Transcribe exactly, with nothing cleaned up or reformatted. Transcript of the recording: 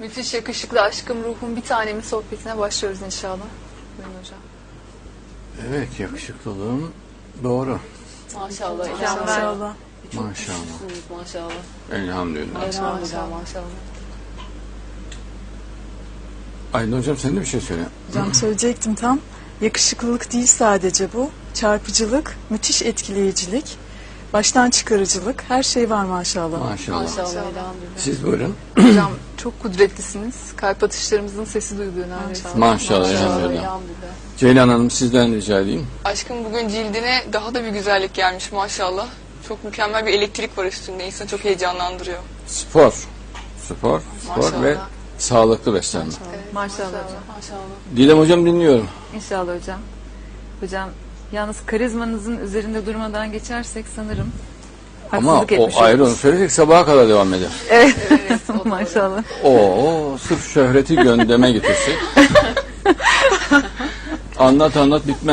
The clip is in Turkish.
Müthiş yakışıklı aşkım ruhum bir tanemin sohbetine başlıyoruz inşallah. Buyurun hocam. Evet, yakışıklılığım doğru. Maşallah. Maşallah. Maşallah. Maşallah. Maşallah. Elhamdülillah. Maşallah. Maşallah. Aydın hocam sen de bir şey söyle. Hocam söyleyecektim tam. Yakışıklılık değil sadece bu. Çarpıcılık, müthiş etkileyicilik, baştan çıkarıcılık, her şey var maşallah. Maşallah. Maşallah. Elhamdülillah. Siz buyurun. Hocam çok kudretlisiniz. Kalp atışlarımızın sesi duyuluyor neredeyse. Maşallah. Elhamdülillah. Ceylan Hanım sizden rica edeyim. Aşkım bugün cildine daha da bir güzellik gelmiş maşallah. Çok mükemmel bir elektrik var üstünde. İnsanı çok heyecanlandırıyor. Spor. Spor. Spor Maşallah. ve sağlıklı beslenme. Maşallah hocam. Maşallah. Didem hocam dinliyorum. İnşallah hocam. Hocam yalnız karizmanızın üzerinde durmadan geçersek sanırım Ama haksızlık o etmiş ayrı onu oluruz. söylesek sabaha kadar devam eder. Evet. Evet, o doğru. Maşallah. Oo, sırf şöhreti gündeme getirsek. Anlat anlat bitmez.